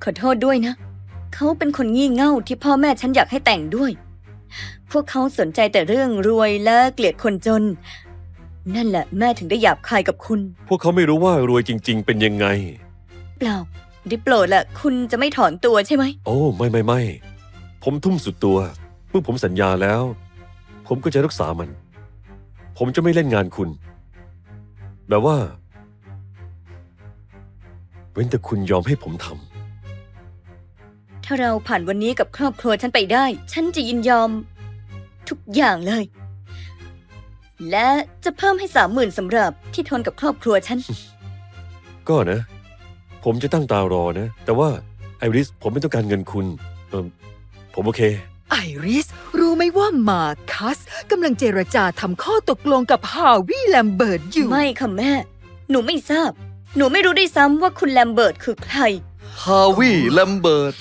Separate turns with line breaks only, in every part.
ขอโทษด้วยนะ เขาเป็นคนงี่เง่าที่พ่อแม่ฉันอยากให้แต่งด้วย พวกเขาสนใจแต่เรื่องรวยและเกลียดคนจน นั่นแหละแม่ถึงได้หยาบคายกับคุณ
พวกเขาไม่รู้ว่ารวยจริงๆเป็นยังไง
เปล่าได้โปรดละคุณจะไม่ถอนตัวใช่ไหม
โอ้ไม่ผมทุ่มสุดตัว เมื่อผมสัญญาแล้ว ผมก็จะรักษามัน ผมจะไม่เล่นงานคุณ แบบว่า เว้นแต่คุณยอมให้ผมทำ
ถ้าเราผ่านวันนี้กับครอบครัวฉันไปได้ ฉันจะยินยอม ทุกอย่างเลย และจะเพิ่มให้30,000สำหรับที่ทนกับครอบครัวฉัน
ก็นะ ผมจะตั้งตารอนะ แต่ว่าไอริสผมไม่ต้องการเงินคุณผมโอเค
ไอริสรู้ไหมว่ามาคัสกำลังเจรจาทำข้อตกลงกับฮาวิแลมเบิร์ตอยู่
ไม่ค่ะแม่ หนูไม่ทราบ หนูไม่รู้ด้วยซ้ำว่าคุณแลมเบิร์ตคือใคร
ฮาวิแลมเบิร์ต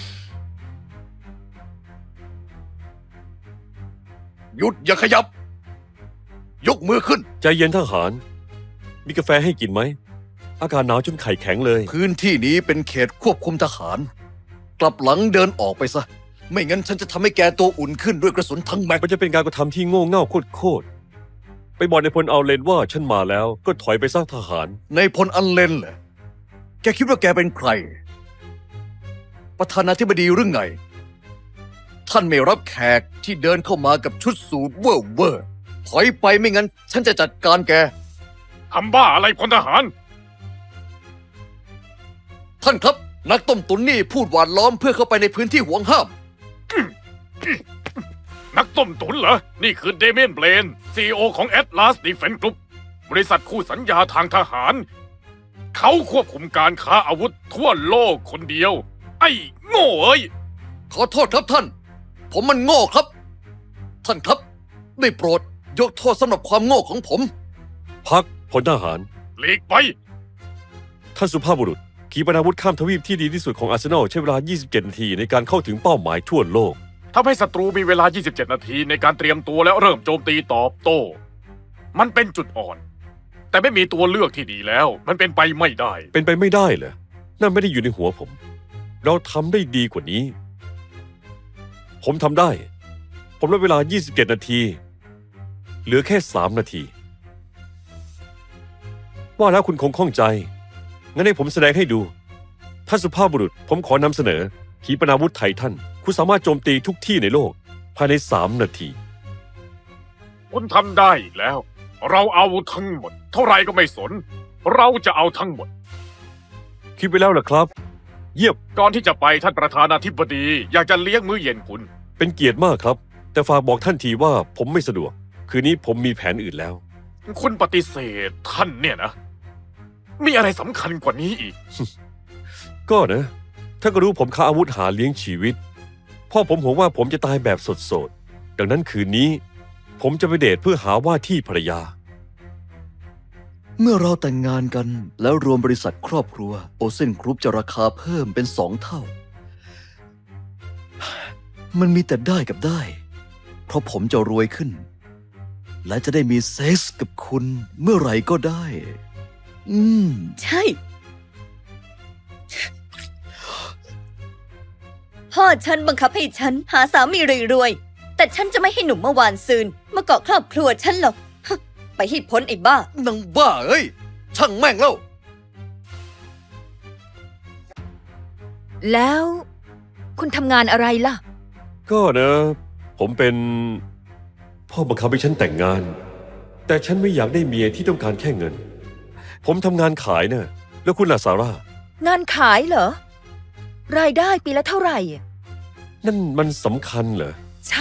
หยุดอย่าขยับ ยกมือขึ้น
ใจเย็นทหาร มีกาแฟให้กินไหม อากาศหนาวจนไข่แข็งเลย
พื้นที่นี้เป็นเขตควบคุมทหาร กลับหลังเดินออกไปซะ ไม่งั้นฉันจะทำให้แกตัวอุ่นขึ้นด้วยกระสุนทั้งแม็ก
มันจะเป็นการกระทำที่โง่เง่าโคตรไปบอกในพลเอาเลนว่าฉันมาแล้วก็ถอยไปสร้างทหาร
ในพลอันเลนเหรอแกคิดว่าแกเป็นใคร ประธานาธิบดีหรือไง ท่านไม่รับแขกที่เดินเข้ามากับชุดสูทเวอร์ถอยไปไม่งั้น ฉันจะจัดการแก
ทำบ้าอะไรพลทหาร
ท่านครับ นักต้มตุ๋นนี่พูดหวานล้อมเพื่อเข้าไปในพื้นที่ห่วงห้าม
นักต้มตุ๋นเหรอ นี่คือเดเมียนเบลน CEO ของ Atlas Defense Group บริษัทคู่สัญญาทางทหาร เขาควบคุมการค้าอาวุธทั่วโลกคนเดียว ไอ้โง่เอ้ย
ขอโทษครับท่าน ผมมันโง่ครับ ท่านครับ ได้โปรดยกโทษสำหรับความโง่ของผม
พักพลทหาร
หลีกไป
ท่านสุภาพบุรุษ ขีปนาวุธข้ามทวีปที่ดีที่สุดของอาร์เซนอลใช้เวลา 27 นาทีในการเข้าถึงเป้าหมายทั่วโลก
ทำให้ศัตรูมีเวลา 27 นาทีในการเตรียมตัวแล้วเริ่มโจมตีตอบโต้ มันเป็นจุดอ่อน แต่ไม่มีตัวเลือกที่ดีแล้ว มันเป็นไปไม่ได้
เป็นไปไม่ได้เหรอ นั่นไม่ได้อยู่ในหัวผม เราทำได้ดีกว่านี้ ผมทำได้ ผมลดเวลา 27 นาที เหลือแค่ 3 นาที ว่าแล้วคุณคงข้องใจ งั้นให้ผมแสดงให้ดู ท่านสุภาพบุรุษ ผมขอนำเสนอ ขีปนาวุธไททัน คุณสามารถโจมตีทุกที่ในโลก ภายใน 3 นาที
คุณทำได้อีกแล้ว เราเอาทั้งหมด เท่าไรก็ไม่สน เราจะเอาทั้งหมด
คิดไว้แล้วเหรอครับ เยี่ยม
ก่อนที่จะไปท่านประธานาธิบดี อยากจะเลี้ยงมื้อเย็นคุณ
เป็นเกียรติมากครับ แต่ฝากบอกท่านทีว่าผมไม่สะดวก คืนนี้ผมมีแผนอื่นแล้ว
คุณปฏิเสธท่านเนี่ยนะ มีอะไรสำคัญกว่านี้อีก
ก็นะท่านก็รู้ผมค้าอาวุธหาเลี้ยงชีวิต พ่อผมห่วงว่าผมจะตายแบบสดๆ ดังนั้นคืนนี้ ผมจะไปเดทเพื่อหาว่าที่ภรรยา
เมื่อเราแต่งงานกันแล้วรวมบริษัทครอบครัวโอเซนกรุ๊ปจะราคาเพิ่มเป็น2 เท่า มันมีแต่ได้กับได้ เพราะผมจะรวยขึ้น และจะได้มีเซ็กส์กับคุณเมื่อไหร่ก็ได้
ใช่ พ่อฉันบังคับให้ฉันหาสามีรวยๆ แต่ฉันจะไม่ให้หนุ่มเมื่อวานซืนมาเกาะครอบครัวฉันหรอก ไปให้พ้นไอ้บ้า
นางบ้าเอ้ย ช่างแม่งแล้ว
แล้ว คุณทำงานอะไรล่ะ
ก็นะ ผมเป็นพ่อบังคับให้ฉันแต่งงาน แต่ฉันไม่อยากได้เมียที่ต้องการแค่เงิน ผมทำงานขายนะแล้วคุณล่ะซาร่า
งานขายเหรอ รายได้ปีละเท่าไหร่
นั่นมันสำคัญเหรอ
ใช่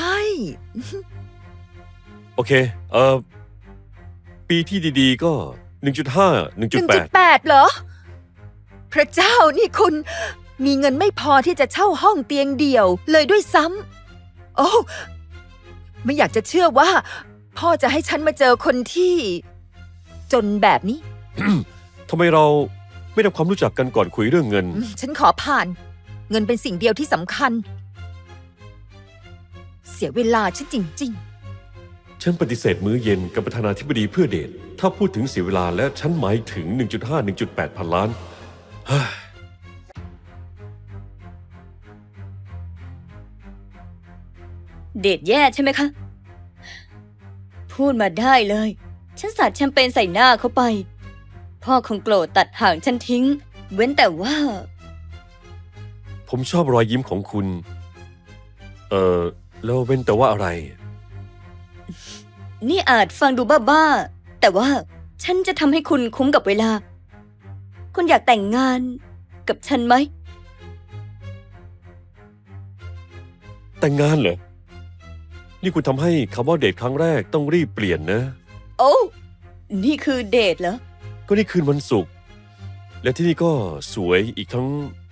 โอเค ปีที่ดีๆ ก็ 1.5 1.8
1.8 เหรอ พระเจ้านี่คุณมีเงินไม่พอที่จะเช่าห้องเตียงเดี่ยวเลยด้วยซ้ำ โอ้ ไม่อยากจะเชื่อว่า พ่อจะให้ฉันมาเจอคนที่ จนแบบนี้
ทำไมเราไม่ทำความรู้จักกันก่อนคุยเรื่องเงิน
ฉันขอผ่าน เงินเป็นสิ่งเดียวที่สำคัญ เสียเวลาฉันจริง ๆ
ฉันปฏิเสธมื้อเย็นกับประธานาธิบดีเพื่อเดท ถ้าพูดถึงเสียเวลาและฉันหมายถึง 1.5 1.8 พันล้าน เฮ้ย
เดทแย่ใช่ไหมคะ พูดมาได้เลย ฉันสาดแชมเปญใส่หน้าเขาไป พ่อคงโกรธตัดห่างฉันทิ้ง เว้นแต่ว่า
ผมชอบรอยยิ้มของคุณ แล้วเว้นแต่ว่าอะไร
นี่อาจฟังดูบ้าๆ แต่ว่าฉันจะทำให้คุณคุ้มกับเวลา คุณอยากแต่งงานกับฉันไหม
แต่งงานเหรอ นี่คุณทำให้คำว่าเดทครั้งแรกต้องรีบเปลี่ยนนะ
โอ้นี่คือเดทเหรอ
ก็นี่คืนวันศุกร์และที่นี่ก็สวยอีกทั้ง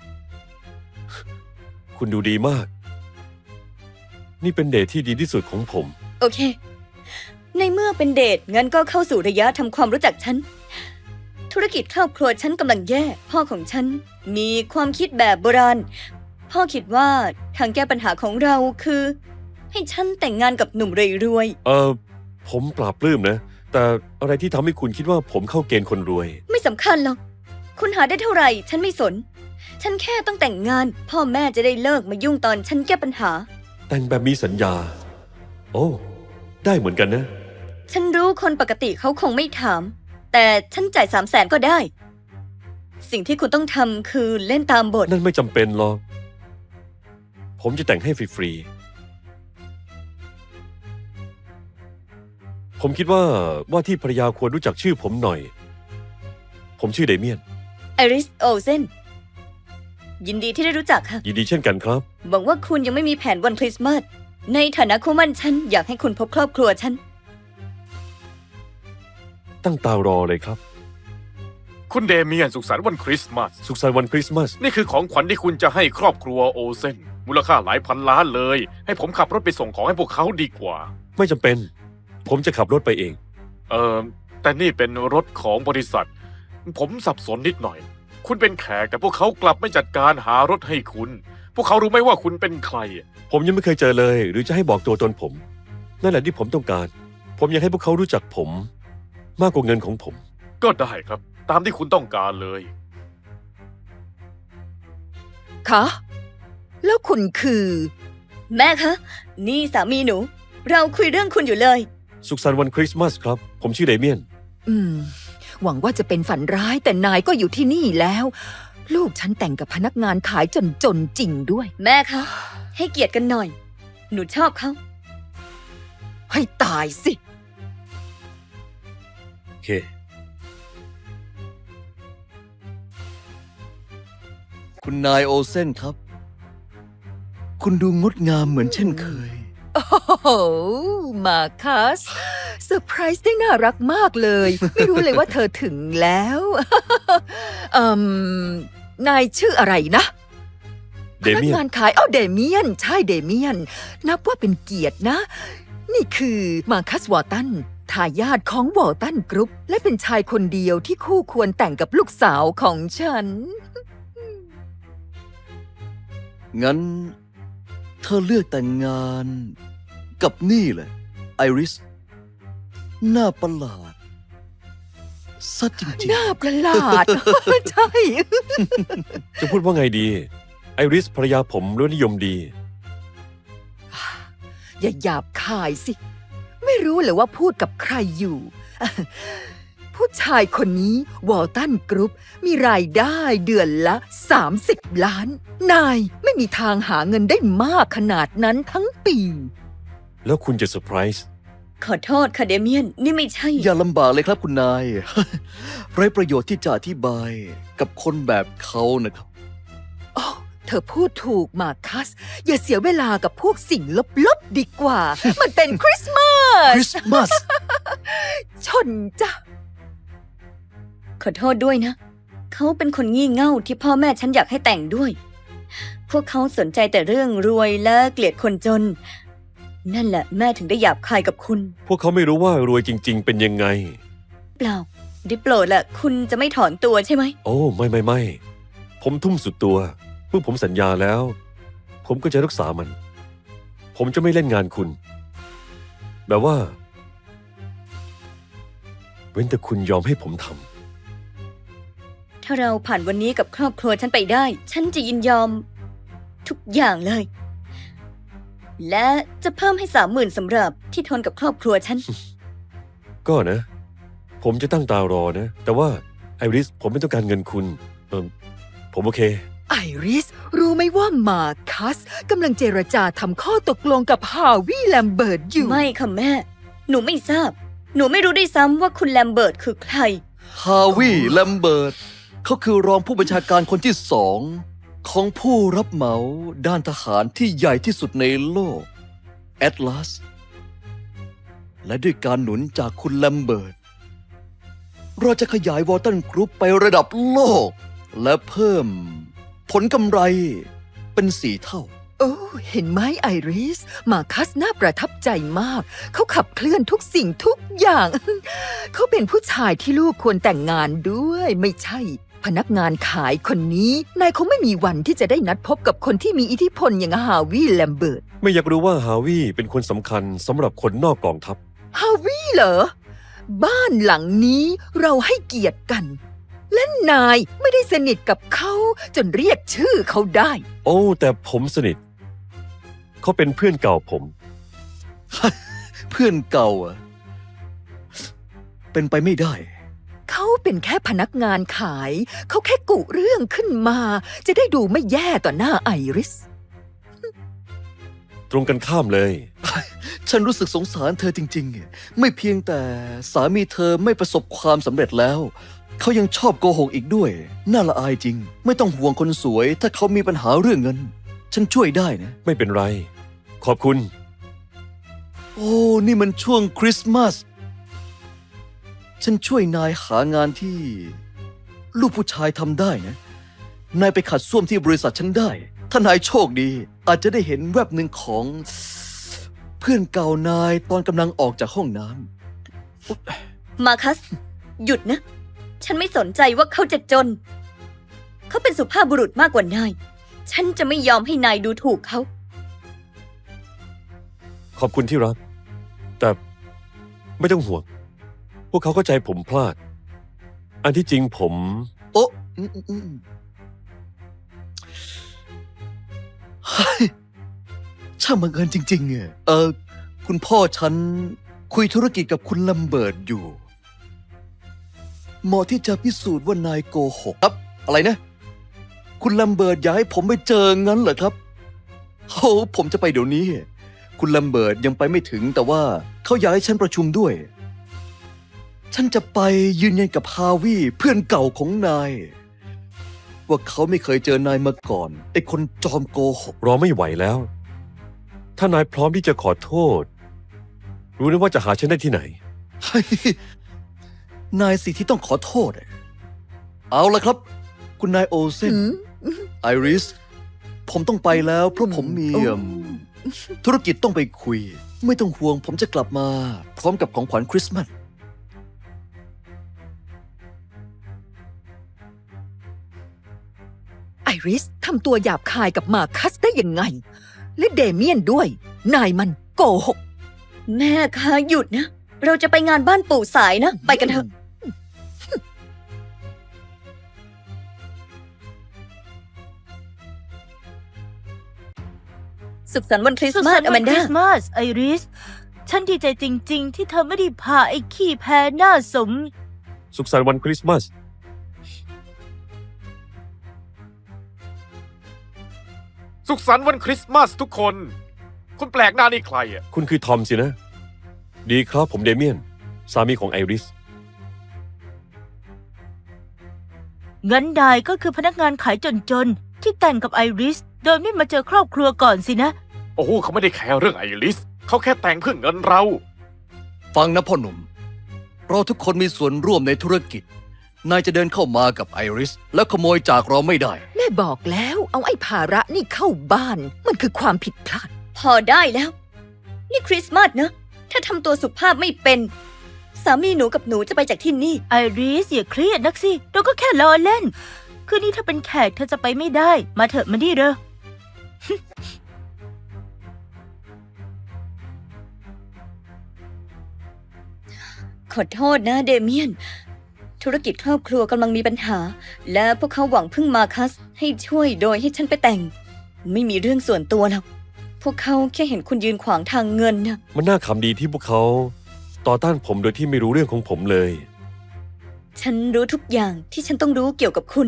คุณดูดีมาก นี่เป็นเดทที่ดีที่สุดของผม
โอเค ในเมื่อเป็นเดทงั้นก็เข้าสู่ระยะทำความรู้จักฉัน ธุรกิจครอบครัวฉันกำลังแย่ พ่อของฉันมีความคิดแบบโบราณ พ่อคิดว่าทางแก้ปัญหาของเราคือ ให้ฉันแต่งงานกับหนุ่มรวย
ผมปลาบปลื้มนะ แต่อะไรที่ทำให้คุณคิดว่าผมเข้าเกณฑ์คนรวย
ๆ ไม่สำคัญหรอก คุณหาได้เท่าไหร่ ฉันไม่สน ฉันแค่ต้องแต่งงาน พ่อแม่จะได้เลิกมายุ่งตอนฉันแก้ปัญหา
แต่งแบบมีสัญญา โอ้ ได้เหมือนกันนะ
ฉันรู้คนปกติเขาคงไม่ถาม แต่ฉันจ่าย300,000ก็ได้ สิ่งที่คุณต้องทำคือเล่นตามบท
นั่นไม่จำเป็นหรอก ผมจะแต่งให้ฟรีๆ ผมคิดว่าที่ภรรยาควรรู้จักชื่อผมหน่อย ผมชื่อเดเมียน
ไอริสโอเซนยินดีที่ได้รู้จักค่ะ
ยินดีเช่นกันครับ
หวังว่าคุณยังไม่มีแผนวันคริสต์มาส ในฐานะคู่หมั่นฉันอยากให้คุณพบครอบครัวฉัน
ตั้งตารอเลยครับ
คุณเดเมียนสุขสันต์วันคริสต์มาส
สุขสันต์วันคริสต์มาส
นี่คือของขวัญที่คุณจะให้ครอบครัวโอเซนมูลค่าหลายพันล้านเลย ให้ผมขับรถไปส่งของให้พวกเขาดีกว่า
ไม่จำเป็น ผมจะขับรถไปเอง
แต่นี่เป็นรถของบริษัท ผมสับสนนิดหน่อย คุณเป็นแขกแต่พวกเขากลับไม่จัดการหารถให้คุณ พวกเขารู้ไหมว่าคุณเป็นใคร
ผมยังไม่เคยเจอเลย หรือจะให้บอกตัวตนผม นั่นแหละที่ผมต้องการ ผมอยากให้พวกเขารู้จักผม มากกว่าเงินของผม
ก็ได้ครับ ตามที่คุณต้องการเลย
คะ แล้วคุณคือ
แม่คะ นี่สามีหนู เราคุยเรื่องคุณอยู่เลย
สุขสันต์วันคริสต์มาสครับ ผมชื่อเดเมียน
หวังว่าจะเป็นฝันร้ายแต่นายก็อยู่ที่นี่แล้ว ลูกฉันแต่งกับพนักงานขายจนจริงด้วย
แม่คะ ให้เกียรติกันหน่อย หนูชอบเขา
ให้ตายสิ
โอเค
คุณนายโอเซนครับ คุณดูงดงามเหมือนเช่นเคย
โอ้โห มาคัสเซอร์ไพรส์ได้น่ารักมากเลย ไม่รู้เลยว่าเธอถึงแล้ว นายชื่ออะไรนะ
เดเมียน
พนักงานขายเดเมียน ใช่เดเมียน นับว่าเป็นเกียรตินะ นี่คือมาคัสวอร์ตันทายาทของวอร์ตันกรุ๊ป และเป็นชายคนเดียวที่คู่ควรแต่งกับลูกสาวของฉัน
งั้น เธอเลือกแต่งงานกับนี่แหละไอริสหน้าประหลาดซะจริง
หน้าประหลาด ใช่
จะพูดว่าไงดี ไอริสภรรยาผมรสนิยมดี
อย่าหยาบคายสิ ไม่รู้เลยว่าพูดกับใครอยู่ ผู้ชายคนนี้วอลตันกรุ๊ปมีรายได้เดือนละ30 ล้าน นายไม่มีทางหาเงินได้มากขนาดนั้นทั้งปี
แล้วคุณจะเซอร์ไพรส์
ขอโทษค่ะเดเมียน นี่ไม่ใช่
ๆ อย่าลำบากเลยครับคุณนาย ไร้ประโยชน์ที่จะอธิบายกับคนแบบเขานะครับ
โอ้ เธอพูดถูกมาคัส อย่าเสียเวลากับพวกสิ่งลบๆดีกว่า มันเป็นคริสต์มา
คริ
ส
สต์มาส
ชนจ้ะ
ขอโทษด้วยนะ เขาเป็นคนงี่เง่าที่พ่อแม่ฉันอยากให้แต่งด้วย พวกเขาสนใจแต่เรื่องรวยและเกลียดคนจน นั่นแหละแม่ถึงได้หยาบคายกับคุณ
พวกเขาไม่รู้ว่ารวยจริง ๆ เป็นยังไง
เปล่า ได้โปรดละคุณจะไม่ถอนตัวใช่ไหม
โอ้ ไม่ ผมทุ่มสุดตัว เมื่อผมสัญญาแล้ว ผมก็จะรักษามัน ผมจะไม่เล่นงานคุณ แบบว่า เว้นแต่คุณยอมให้ผมทำ
ถ้าเราผ่านวันนี้กับครอบครัวฉันไปได้ ฉันจะยินยอม ทุกอย่างเลยและจะเพิ่มให้30,000สำหรับที่ทนกับครอบครัวฉัน
ก็นะ ผมจะตั้งตารอนะ แต่ว่าไอริสผมไม่ต้องการเงินคุณ ผมโอเค
ไอริส รู้ไหมว่ามาคัสกำลังเจรจาทำข้อตกลงกับฮาวิแลมเบิร์ตอยู่
ไม่ค่ะแม่ หนูไม่ทราบ หนูไม่รู้ด้วยซ้ำว่าคุณแลมเบิร์ตคือใคร
ฮาวิแลมเบิร์ตเขาคือรองผู้บัญชาการคนที่สองของผู้รับเหมาด้านทหารที่ใหญ่ที่สุดในโลกแอตลาสและด้วยการหนุนจากคุณแลมเบิร์ตเราจะขยายวอลตันกรุ๊ปไประดับโลก และเพิ่มผลกำไรเป็น4 เท่า
โอ้เห็นไหมไอริส มาคัสน่าประทับใจมาก เขาขับเคลื่อนทุกสิ่งทุกอย่าง เขาเป็นผู้ชายที่ลูกควรแต่งงานด้วย ไม่ใช่ พนักงานขายคนนี้ นายคงไม่มีวันที่จะได้นัดพบกับคนที่มีอิทธิพลอย่างฮาวิแลมเบิร์ต
ไม่อยากรู้ว่าฮาวิเป็นคนสำคัญสำหรับคนนอกกองทัพ
ฮาวิเหรอ บ้านหลังนี้เราให้เกียรติกัน และนายไม่ได้สนิทกับเขาจนเรียกชื่อเขาได้
โอ้ แต่ผมสนิท เขาเป็นเพื่อนเก่าผม
เพื่อนเก่าอะเป็นไปไม่ได้
เขาเป็นแค่พนักงานขาย เขาแค่กุเรื่องขึ้นมา จะได้ดูไม่แย่ต่อหน้าไอริส
ตรงกันข้ามเลย
ฉันรู้สึกสงสารเธอจริงๆ ไม่เพียงแต่สามีเธอไม่ประสบความสำเร็จแล้ว เขายังชอบโกหกอีกด้วย น่าละอายจริง ไม่ต้องห่วงคนสวย ถ้าเขามีปัญหาเรื่องเงิน ฉันช่วยได้นะ
ไม่เป็นไร ขอบคุณ
โอ้ นี่มันช่วงคริสต์มาส ฉันช่วยนายหางานที่ ลูกผู้ชายทำได้นะ นายไปขัดส้วมที่บริษัทฉันได้ ถ้านายโชคดี อาจจะได้เห็นแวบหนึ่งของ เพื่อนเก่านายตอนกำลังออกจากห้องน้ำ
มาคัส หยุดนะ ฉันไม่สนใจว่าเขาจะจน เขาเป็นสุภาพบุรุษมากกว่านาย ฉันจะไม่ยอมให้นายดูถูกเขา
ขอบคุณที่รัก แต่ไม่ต้องห่วง พวกเขาเข้าใจผมพลาด อันที่จริงผม
โอ๊ะเฮ้ยช่างบังเอิญจริงๆอะคุณพ่อฉันคุยธุรกิจกับคุณลัมเบิร์ตอยู่ เหมาะที่จะพิสูจน์ว่านายโกหกครับ อะไรนะ คุณลัมเบิร์ตอยากให้ผมไปเจองั้นเหรอครับโอ้ผมจะไปเดี๋ยวนี้ คุณลัมเบิร์ตยังไปไม่ถึงแต่ว่าเขาอยากให้ฉันประชุมด้วย ฉันจะไปยืนยันกับฮาวิเพื่อนเก่าของนาย ว่าเขาไม่เคยเจอนายมาก่อนไอ้คนจอมโกหก
รอไม่ไหวแล้ว ถ้านายพร้อมที่จะขอโทษ รู้นะว่าจะหาฉันได้ที่ไหน
เฮ้ยนายสิที่ต้องขอโทษอะเอาละครับ คุณนายโอเซน ไอริส ผมต้องไปแล้วเพราะผมมีธุรกิจต้องไปคุย ไม่ต้องห่วงผมจะกลับมา พร้อมกับของขวัญคริสต์มาส
ไอริสทำตัวหยาบคายกับมาคัสได้ยังไง และเดเมียนด้วย นายมันโกหก
แม่คะหยุดนะ เราจะไปงานบ้านปู่สายนะ ไปกันเถอะ สุขสันต์วันคริสต์มาสอแมน
ค
ดา
ริสต์มาสไอริส ฉันดีใจจริง ๆ ที่เธอไม่ได้พาไอ้ขี้แพ้หน้าสม
สุขสันต์วันคริสต์มาส
สุขสันต์วันคริสต์มาสทุกคน คุณแปลกหน้านี่ใครอ่ะ
คุณคือทอมสินะ ดีครับผมเดเมียน สามีของไอริส
งั้นนายก็คือพนักงานขายจนๆ ที่แต่งกับไอริส โดยไม่มาเจอครอบครัวก่อนสินะ
โอ้โหเขาไม่ได้แคร์เรื่องไอริส เขาแค่แต่งเพื่อเงินเรา
ฟังนะพ่อหนุ่ม เราทุกคนมีส่วนร่วมในธุรกิจ นายจะเดินเข้ามากับไอริส แล้วขโมยจากเราไม่ได้
แม่บอกแล้วเอาไอ้ภาระนี่เข้าบ้าน มันคือความผิดพลาด
พอได้แล้ว นี่คริสต์มาสนะ ถ้าทำตัวสุภาพไม่เป็น สามีหนูกับหนูจะไปจากที่นี่
ไอริสอย่าเครียดนักสิ เราก็แค่ล้อเล่น คืนนี้ถ้าเป็นแขกเธอจะไปไม่ได้ มาเถอะมาดิเร็ว
ขอโทษนะเดเมียน ธุรกิจครอบครัวกำลังมีปัญหา และพวกเขาหวังพึ่งมาคัสให้ช่วยโดยให้ฉันไปแต่ง ไม่มีเรื่องส่วนตัวหรอกพวกเขาแค่เห็นคุณยืนขวางทางเงินนะ
มันน่าขำดีที่พวกเขาต่อต้านผมโดยที่ไม่รู้เรื่องของผมเลย
ฉันรู้ทุกอย่างที่ฉันต้องรู้เกี่ยวกับคุณ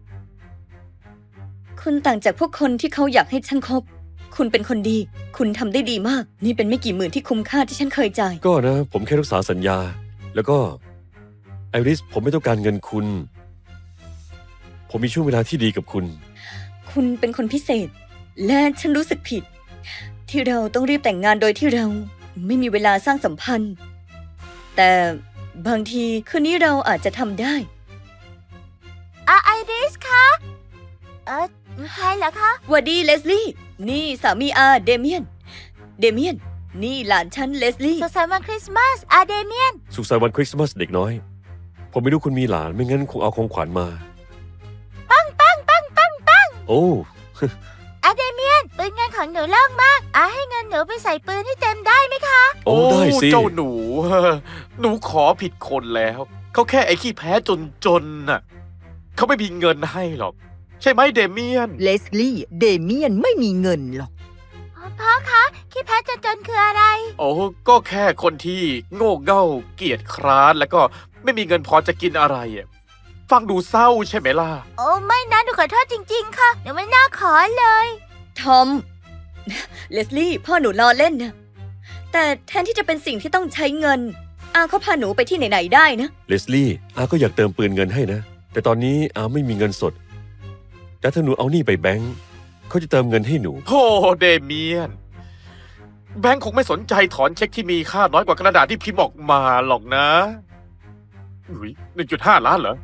คุณต่างจากพวกคนที่เขาอยากให้ฉันคบ คุณเป็นคนดี คุณทำได้ดีมาก นี่เป็นไม่กี่หมื่นที่คุ้มค่าที่ฉันเคยจ่าย
ก็นะ ผมแค่รักษาสัญญา แล้วก็ไอริสผมไม่ต้องการเงินคุณ ผมมีช่วงเวลาที่ดีกับคุณ
คุณเป็นคนพิเศษ และฉันรู้สึกผิด ที่เราต้องรีบแต่งงานโดยที่เราไม่มีเวลาสร้างสัมพันธ์ แต่บางทีคืนนี้เราอาจจะทำได้
ไอริสคะ ใครเหรอคะ
หวัดดีเลสลี่ นี่สามีอาเดเมียน เดเมียน นี่หลานฉันเลสลี่
สุขสันต์วันคริสต์มาสเดเมียน
สุขสันต์วันคริสต์มาสเด็กน้อย ผมไม่รู้คุณมีหลานไม่งั้นคงเอาของขวัญมา
ปัง
โอ้
เดเมียน ปืนเงินของหนูเลิกมาก ให้เงินหนูไปใส่ปืนให้เต็มได้ไหมคะ
โอ้ได้สิ
เจ้าหนู หนูขอผิดคนแล้ว เขาแค่ไอ้ขี้แพ้จนน่ะ เขาไม่มีเงินให้หรอก ใช่ไหมเดเมียน
เลสลี่ เดเมียนไม่มีเงินหรอก
พ่อคะขี้แพ้จนคืออะไร
โอ้ก็แค่คนที่โง่เง่าเกียจคร้านแล้วก็ไม่มีเงินพอจะกินอะไรอะฟังดูเศร้าใช่ไหมล่ะ
โอ้ไม่นะหนูขอโทษจริงๆ ค่ะหนูไม่น่าขอเลย
ทอม เลสลี่ พ่อหนูล้อเล่นนะ แต่แทนที่จะเป็นสิ่งที่ต้องใช้เงิน อาเขาพาหนูไปที่ไหนๆได้นะ
เลสลี่อาก็อยากเติมปืนเงินให้นะ แต่ตอนนี้อาไม่มีเงินสด แต่ถ้าหนูเอานี่ไปแบงก์เขาจะเติมเงินให้หนู
โธ่เดเมียน แบงค์คงไม่สนใจถอนเช็คที่มีค่าน้อยกว่ากระดาษที่พิมพ์ออกมาหรอกนะอุ๊ย1.5 ล้านเหรอ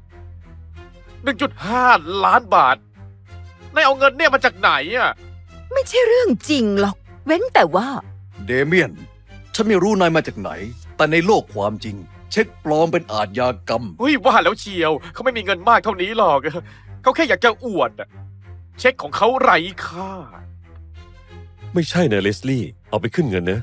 1.5 ล้านบาทนายเอาเงินเนี่ยมาจากไหนอ่ะ
ไม่ใช่เรื่องจริงหรอก เว้นแต่ว่า
เดเมียน ฉันไม่รู้นายมาจากไหน แต่ในโลกความจริง เช็คปลอมเป็นอาชญากรรม
เฮ้ยว่าแล้วเชียว เขาไม่มีเงินมากเท่านี้หรอก เขาแค่อยากจะอวดอะเช็คของเขาไร้ค่า
ไม่ใช่นะเลสลี่ เอาไปขึ้นเงินนะ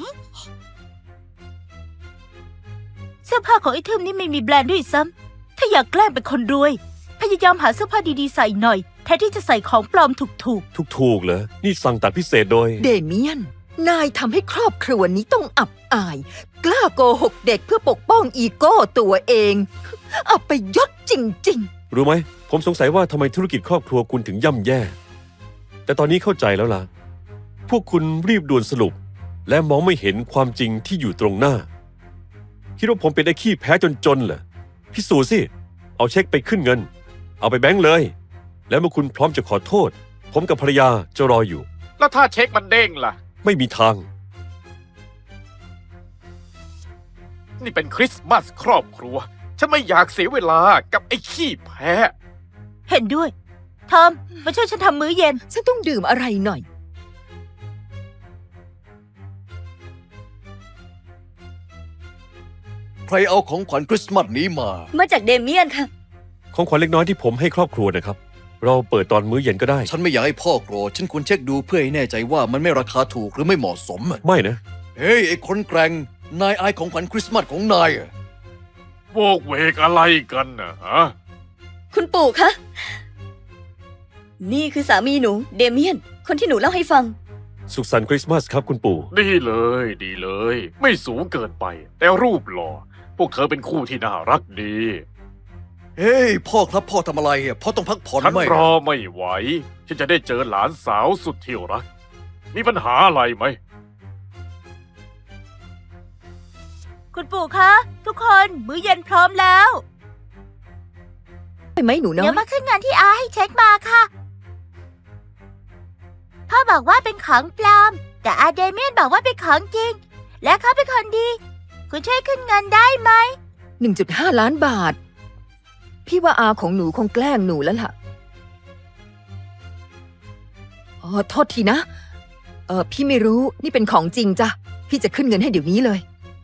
เสื้อผ้าของไอ้ทึมนี่ไม่มีแบรนด์ด้วยซ้ำถ้าอยากแกล้งเป็นคนรวย พยายามหาเสื้อผ้าดีๆใส่หน่อย แทนที่จะใส่ของปลอมถูก
ถูกเหรอ นี่สั่งตัดพิเศษโดย
เดเมียน นายทำให้ครอบครัวนี้ต้องอับอาย กล้าโกหกเด็กเพื่อปกป้องอีโก้ตัวเอง อับไปยศจริง
รู้ไหม ผมสงสัยว่าทำไมธุรกิจครอบครัวคุณถึงย่ำแย่ แต่ตอนนี้เข้าใจแล้วล่ะ พวกคุณรีบด่วนสรุป และมองไม่เห็นความจริงที่อยู่ตรงหน้า คิดว่าผมเป็นไอ้ขี้แพ้จนเหรอ พิสูจน์สิ เอาเช็คไปขึ้นเงิน เอาไปแบงก์เลย แล้วเมื่อคุณพร้อมจะขอโทษ ผมกับภรรยาจะรออยู่
แล้วถ้าเช็คมันเด้งล่ะ
ไม่มีทาง
นี่เป็นคริสต์มาสครอบครัว ฉันไม่อยากเสียเวลากับไอ้ขี้แพ้
ๆ เห็นด้วย ทอม มาช่วยฉันทำมื้อเย็น
ๆ ฉันต้องดื่มอะไรหน่อย
ใครเอาของขวัญคริสต์มาสนี้มา
มาจากเดเมียนค่ะ
ของขวัญเล็กน้อยที่ผมให้ครอบครัวนะครับ เราเปิดตอนมื้อเย็นก็ได้
ฉันไม่อยากให้พ่อโกรธ ฉันควรเช็คดูเพื่อให้แน่ใจว่ามันไม่ราคาถูกหรือไม่เหมาะสม
ไม่นะ
เฮ้ย ไอ้คนแกร่ง นายอายของขวัญคริสต์มาสของนายอะ
โวกเวกอะไรกันนะฮะ
คุณปู่คะ นี่คือสามีหนู เดเมียน คนที่หนูเล่าให้ฟัง
สุขสันต์คริสต์มาสครับคุณปู่
ดีเลยดีเลย ไม่สูงเกินไป แต่รูปหล่อ พวกเธอเป็นคู่ที่น่ารักดี
เฮ้ย พ่อครับพ่อทำอะไรอะพ่อต้องพักผ่อน
ฉัน
ไหม
รอไม่ไหว ฉันจะได้เจอหลานสาวสุดที่รัก มีปัญหาอะไรไหม
คุณปู่คะ ทุกคน มื้อเย็นพร้อมแล้ว
ไปไหมหนูน้อ
เดี๋ย
ยว
มาขึ้นเงินที่อาให้เช็คมาค่ะ พ่อบอกว่าเป็นของปลอม แต่เดเมียนบอกว่าเป็นของจริง และเขาเป็นคนดี คุณช่วยขึ้นเงินได้ไหม
1.5 ล้านบาท พี่ว่าอาของหนูคงแกล้งหนูแล้วล่ะ อ๋อ โทษทีนะ พี่ไม่รู้ นี่เป็นของจริงจ้ะ พี่จะขึ้นเงินให้เดี๋ยวนี้เลย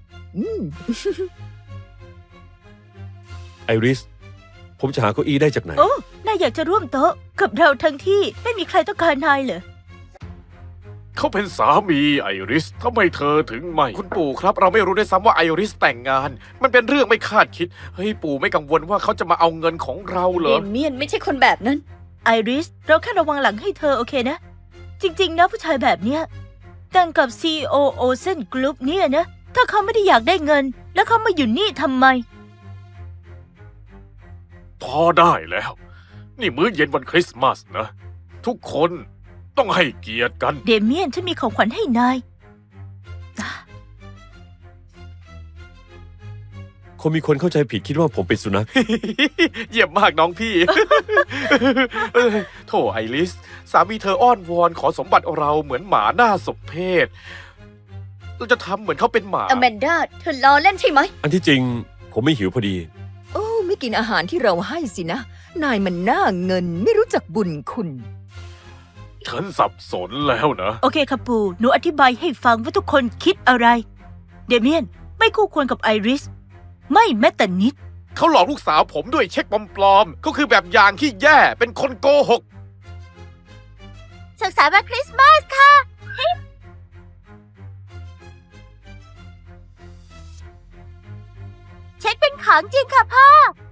ไอริส ผมจะหาเก้าอี้ได้จากไหน
โอ้ นายอยากจะร่วมโต๊ะกับเราทั้งที่ไม่มีใครต้องการนายเหรอ
เขาเป็นสามีไอริสทำไมเธอถึงไม่ คุณปู่ครับ เราไม่รู้ด้วยซ้ำว่าไอริสแต่งงาน มันเป็นเรื่องไม่คาดคิด เฮ้ยปู่ไม่กังวลว่าเขาจะมาเอาเงินของเราเหร
เด
อ
เมียนไม่ใช่คนแบบนั้น
ไอริส เราแค่ระวังหลังให้เธอโอเคนะจริงๆนะผู้ชายแบบเนี้ยแต่งกับ CEO Ocean Group เนี่ยนะ ถ้าเขาไม่ได้อยากได้เงิน แล้วเขามาอยู่นี่ทำไม
พอได้แล้ว นี่มื้อเย็นวันคริสต์มาสนะ ทุกคนต้องให้เกียรติกัน
เดเมียนฉันมีของขวัญให้นาย
คงมีคนเข้าใจผิดคิดว่าผมเป็นสุนัข
เยี่ยมมากน้องพี่ โถไอริส สามีเธออ้อนวอนขอสมบัติเราเหมือนหมาหน้าสมเพชเราจะทำเหมือนเขาเป็นหมา
อแมนดาเธอล้อเล่นใช่ไหม
อันที่จริง ผมไม่หิวพอดี
โอ้ไม่กินอาหารที่เราให้สินะ นายมันหน้าเงินไม่รู้จักบุญคุณ
ฉันสับสนแล้วนะ
โอเคค่ะปู่หนูอธิบายให้ฟังว่าทุกคนคิดอะไร เดเมียนไม่คู่ควรกับไอริส ไม่แม้แต่นิด
เขาหลอกลูกสาวผมด้วยเช็คปลอมๆก็คือแบบอย่างที่แย่เป็นคนโกหก
สุขสันต์วันคริสต์มาสค่ะ เช็คเป็นของจริงค่ะพ่อ